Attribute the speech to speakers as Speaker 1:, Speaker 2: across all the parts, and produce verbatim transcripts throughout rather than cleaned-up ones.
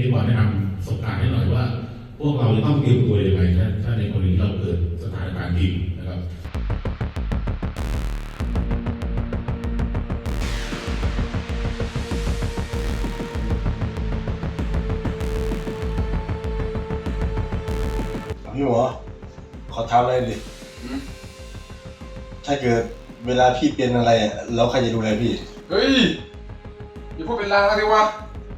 Speaker 1: พี่ขอแนะนำประสบการณ์ให้หน่อยว่าพวกเราจะต้องเตรียมตัวยังไงถ้าถ้าในกรณีเราเกิดสถานการณ์จริงนะครับ
Speaker 2: พี่หมอขอถามอะไรดิถ้าเกิดเวลาพี่เป็นอะไรแล้วใครจะดูแลพี่
Speaker 3: เฮ้ยอย่าพูดเป็นลางสิวะ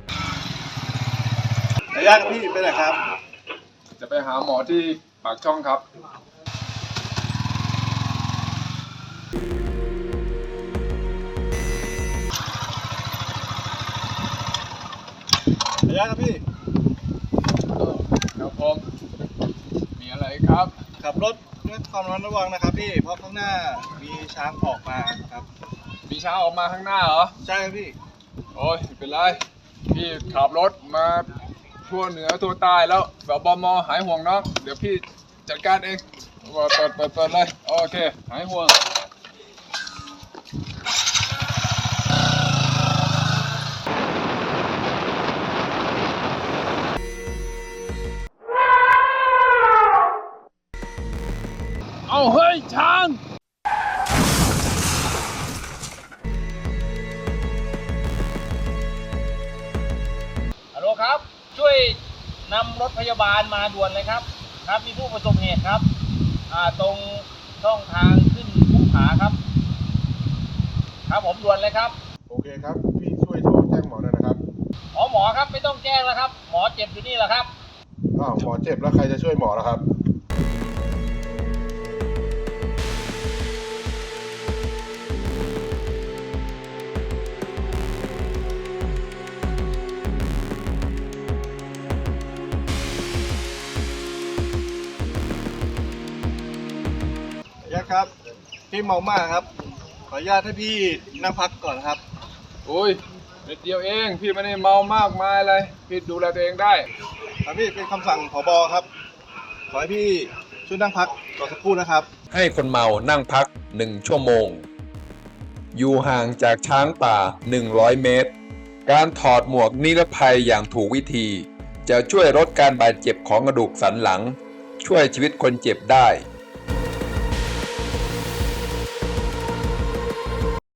Speaker 2: ระยะพี่ไปไหนครับ
Speaker 3: จะไปหาหมอที่ปากช่องครับ
Speaker 2: ระยะครับพี่
Speaker 3: ครับผมมีอะไรครับ
Speaker 2: ขับรถด้วยความระมัดระวังนะครับพี่เพราะข้างหน้ามีช้างออกมาครับ
Speaker 3: มีช้างออกมาข้างหน้าเหรอ
Speaker 2: ใช่ครับพี่
Speaker 3: โอ้ยไม่เป็นไรพี่ขับรถมาทั่วเหนือทั่วใต้แล้วแบบบมหายห่วงน้องเดี๋ยวพี่จัดการเองเปิดเปิดเปิดเปิดเลยโอเคหายห่วงเอาเฮ้ยช้าง
Speaker 4: ฮัลโหลครับช่วยนำรถพยาบาลมาด่วนเลยครับครับมีผู้ประสบเหตุครับอ่าตรงช่องทางขึ้นภูผาครับครับผมด่วนเลยครับ
Speaker 2: โอเคครับพี่ช่วยโทรแจ้งหมอหน่อยนะครับ
Speaker 4: อ๋อหมอครับไม่ต้องแจ้งแล้วครับหมอเจ็บอยู่นี่แหละครับ
Speaker 2: อ้าวหมอเจ็บแล้วใครจะช่วยหมอล่ะครับระยะครับพี่เมามากครับขออนุญาตให้พี่นั่งพักก่อนครับ
Speaker 3: โอ้ยเม็ดเดียวเองพี่ไม่ได้เมามากมายอะไรพี่ดูแลตัวเองได้
Speaker 2: ครับพี่เป็นคำสั่งผบครับขอให้พี่ช่วยนั่งพักก่อนสักครู่นะครับ
Speaker 5: ให้คนเมานั่งพักหนึ่งชั่วโมง อยู่ห่างจากช้างป่าหนึ่งร้อยเมตร การถอดหมวกนิรภัยอย่างถูกวิธี จะช่วยลดการบาดเจ็บของกระดูกสันหลัง ช่วยชีวิตคนเจ็บได้